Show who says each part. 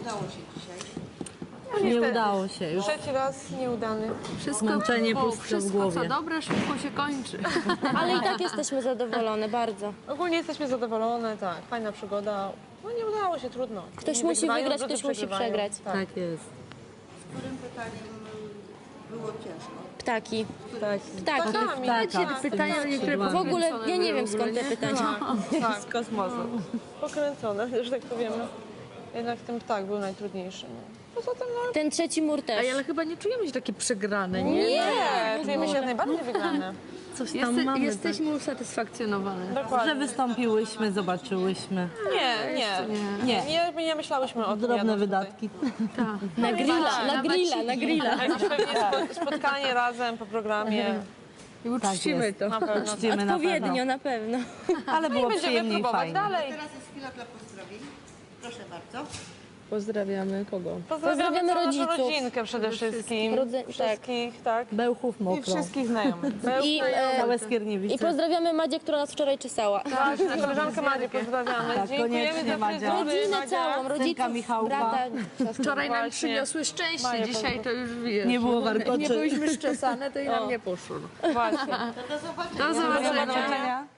Speaker 1: udało się dzisiaj.
Speaker 2: Nie udało się już.
Speaker 3: Trzeci raz nieudany.
Speaker 2: Zmęczenie puste w głowie.
Speaker 4: Co dobre, szybko się kończy.
Speaker 5: Ale i tak jesteśmy zadowolone, bardzo.
Speaker 3: Ogólnie jesteśmy zadowolone, tak. Fajna przygoda. No nie udało się, trudno.
Speaker 5: Ktoś
Speaker 3: Nie
Speaker 5: musi
Speaker 3: wygrywają,
Speaker 5: wygrać,
Speaker 3: drudzy
Speaker 5: ktoś musi
Speaker 3: przegrywają.
Speaker 5: przegrać.
Speaker 2: Tak jest.
Speaker 1: Z którym pytaniem było ciężko?
Speaker 5: Ptaki.
Speaker 3: Tak,
Speaker 4: Pytania niektóre
Speaker 5: W ogóle ja nie wiem skąd te pytania.
Speaker 3: tak. Z kosmosu. Pokręcone, że tak powiemy. Jednak ten ptak był najtrudniejszy. No. Poza tym, no
Speaker 5: Ten trzeci mur też.
Speaker 4: Ale chyba nie czujemy się takie przegrane, nie?
Speaker 3: nie, czujemy się jak najbardziej wygrane.
Speaker 2: Coś tam mamy.
Speaker 4: Jesteśmy usatysfakcjonowane.
Speaker 2: Że
Speaker 3: Dokładnie.
Speaker 2: wystąpiłyśmy, zobaczyłyśmy.
Speaker 3: Nie myślałyśmy o tym.
Speaker 2: Drobne
Speaker 3: jadąc
Speaker 2: wydatki.
Speaker 5: Na grilla.
Speaker 3: tutaj. Jakieś pewnie spotkanie razem po programie.
Speaker 4: I uczcimy
Speaker 2: jest.
Speaker 4: to.
Speaker 3: Na pewno.
Speaker 2: Czcimy na
Speaker 5: Odpowiednio,
Speaker 2: pewno.
Speaker 5: na pewno.
Speaker 2: Ale było
Speaker 3: Będziemy
Speaker 2: przyjemnie i
Speaker 3: próbować
Speaker 2: fajnie.
Speaker 3: dalej.
Speaker 1: Teraz jest chwila dla pozdrowień. Proszę bardzo.
Speaker 4: Pozdrawiamy kogo?
Speaker 5: Pozdrawiamy
Speaker 3: całą
Speaker 5: rodziców.
Speaker 3: naszą rodzinkę przede wszystkim.
Speaker 5: Wszystkich,
Speaker 3: tak.
Speaker 2: Bełchów
Speaker 3: I
Speaker 2: mokro.
Speaker 3: wszystkich znajomych.
Speaker 5: I,
Speaker 2: Całe
Speaker 5: I
Speaker 2: Skierniewice.
Speaker 5: pozdrawiamy Madzię, która nas wczoraj czesała.
Speaker 3: Właśnie, koleżankę Marię pozdrawiamy.
Speaker 2: Tak,
Speaker 3: Dziękujemy
Speaker 2: koniecznie,
Speaker 3: za
Speaker 2: Madzia.
Speaker 3: fryzury,
Speaker 5: Rodzinę
Speaker 3: Madzia.
Speaker 5: całą, rodziców,
Speaker 2: Michałka.
Speaker 5: brata.
Speaker 4: Wczoraj nam
Speaker 3: Właśnie.
Speaker 4: przyniosły szczęście,
Speaker 3: Maja
Speaker 4: dzisiaj to już wiesz.
Speaker 2: Nie było warkoczy.
Speaker 4: Nie byliśmy szczesane, to i nam nie poszło.
Speaker 3: Właśnie.
Speaker 1: Do zobaczenia.
Speaker 4: Do zobaczenia.
Speaker 2: Do zobaczenia.